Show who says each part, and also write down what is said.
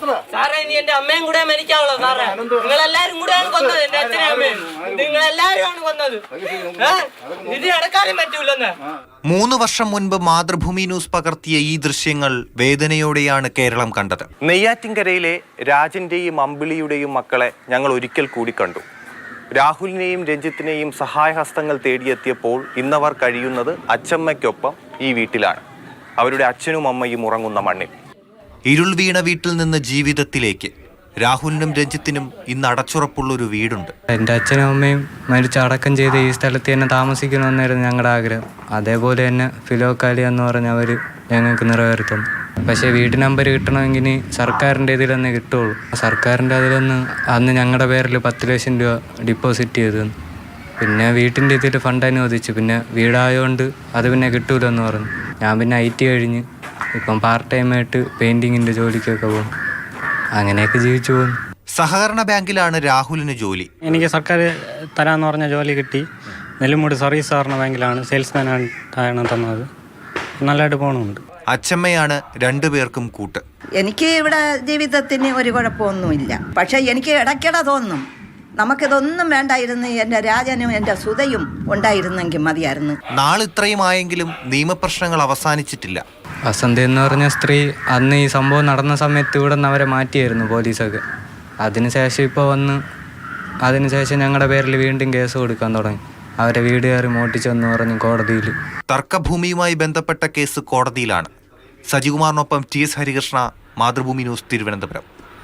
Speaker 1: സാറേ ഇനി എന്റെ അമ്മയും കൂടെ മരിക്കാവുള്ളൂ സാറേ. നിങ്ങളെല്ലാരും കൂടെയാണ് കൊന്നത് എന്റെ അച്ഛനും അമ്മയും. നിങ്ങളെല്ലാരും കൊന്നത്. ഇത് അടക്കാനും പറ്റൂലെന്ന്.
Speaker 2: 3 വർഷം മുൻപ് മാതൃഭൂമി ന്യൂസ് പകർത്തിയ ഈ ദൃശ്യങ്ങൾ വേദനയോടെയാണ് കേരളം കണ്ടത്. നെയ്യാറ്റിൻകരയിലെ രാജന്റെയും അമ്പിളിയുടെയും മക്കളെ ഞങ്ങൾ ഒരിക്കൽ കൂടി കണ്ടു. രാഹുലിനെയും രഞ്ജിത്തിനെയും സഹായഹസ്തങ്ങൾ തേടിയെത്തിയപ്പോൾ ഇന്നവർ കഴിയുന്നത് അച്ചമ്മയ്ക്കൊപ്പം ഈ വീട്ടിലാണ്. അവരുടെ അച്ഛനും അമ്മയും ഉറങ്ങുന്ന മണ്ണിൽ. ഇരുൾ വീണ വീട്ടിൽ നിന്ന് ജീവിതത്തിലേക്ക് രാഹുലിനും രഞ്ജിത്തിനും ഇന്ന് അടച്ചുറപ്പുള്ളൊരു വീടുണ്ട്.
Speaker 3: എൻ്റെ അച്ഛനും അമ്മയും മരിച്ച് അടക്കം ചെയ്ത് ഈ സ്ഥലത്ത് തന്നെ താമസിക്കണമെന്നായിരുന്നു ഞങ്ങളുടെ ആഗ്രഹം. അതേപോലെ തന്നെ ഫിലോക്കാലി എന്ന് പറഞ്ഞവർ ഞങ്ങൾക്ക് നിറവേർത്തുന്നു. പക്ഷേ വീട്ടു നമ്പർ കിട്ടണമെങ്കിൽ സർക്കാരിൻ്റെ ഇതിലൊന്നേ കിട്ടുള്ളൂ. സർക്കാരിൻ്റെ അതിലൊന്ന് അന്ന് ഞങ്ങളുടെ പേരിൽ 10 ലക്ഷം രൂപ ഡിപ്പോസിറ്റ് ചെയ്തു. പിന്നെ വീട്ടിൻ്റെ ഇതിൽ ഫണ്ട് അനുവദിച്ചു. പിന്നെ വീടായതുകൊണ്ട് അത് പിന്നെ കിട്ടൂലെന്ന് പറഞ്ഞു. ഞാൻ പിന്നെ IT കഴിഞ്ഞ് ഇപ്പം പാർട്ട് ടൈമായിട്ട് പെയിൻറ്റിങ്ങിൻ്റെ ജോലിക്കൊക്കെ പോകും. അങ്ങനെയൊക്കെ ജീവിച്ചു പോകുന്നു.
Speaker 2: സഹകരണ ബാങ്കിലാണ് രാഹുലിന് ജോലി.
Speaker 4: എനിക്ക് സർക്കാർ തരാമെന്ന് പറഞ്ഞ ജോലി കിട്ടി. നെല്ലിമൂട് സർവീസ് സഹകരണ ബാങ്കിലാണ് സെയിൽസ്മാനായിട്ടാണ് തന്നത്. നല്ലതായിട്ട് പോകുന്നുണ്ട്.
Speaker 2: അച്ചമ്മയാണ് 2 പേർക്കും കൂട്ട്.
Speaker 5: എനിക്ക് ഇവിടെ ജീവിതത്തിന് ഒരു കുഴപ്പമൊന്നുമില്ല. പക്ഷേ എനിക്ക് ഇടയ്ക്കിടെ തോന്നും നമുക്കിതൊന്നും വേണ്ടായിരുന്നു, എൻ്റെ രാജനും എൻ്റെ സുതയും ഉണ്ടായിരുന്നെങ്കിൽ മതിയായിരുന്നു.
Speaker 2: നാളിത്രയും ആയെങ്കിലും നിയമപ്രശ്നങ്ങൾ അവസാനിച്ചിട്ടില്ല.
Speaker 3: വസന്ത എന്ന് പറഞ്ഞ സ്ത്രീ അന്ന് ഈ സംഭവം നടന്ന സമയത്ത് ഇവിടെ നിന്ന് അവരെ മാറ്റിയായിരുന്നു പോലീസൊക്കെ. അതിനുശേഷം ഇപ്പോൾ വന്ന് അതിനുശേഷം ഞങ്ങളുടെ പേരിൽ വീണ്ടും കേസ് കൊടുക്കാൻ തുടങ്ങി. അവരെ വീട് കയറി മോട്ടിച്ചെന്ന് പറഞ്ഞ് കോടതിയിൽ.
Speaker 2: തർക്കഭൂമിയുമായി ബന്ധപ്പെട്ട കേസ് കോടതിയിലാണ്. സജികുമാറിനൊപ്പം TS ഹരികൃഷ്ണ, മാതൃഭൂമി ന്യൂസ്, തിരുവനന്തപുരം.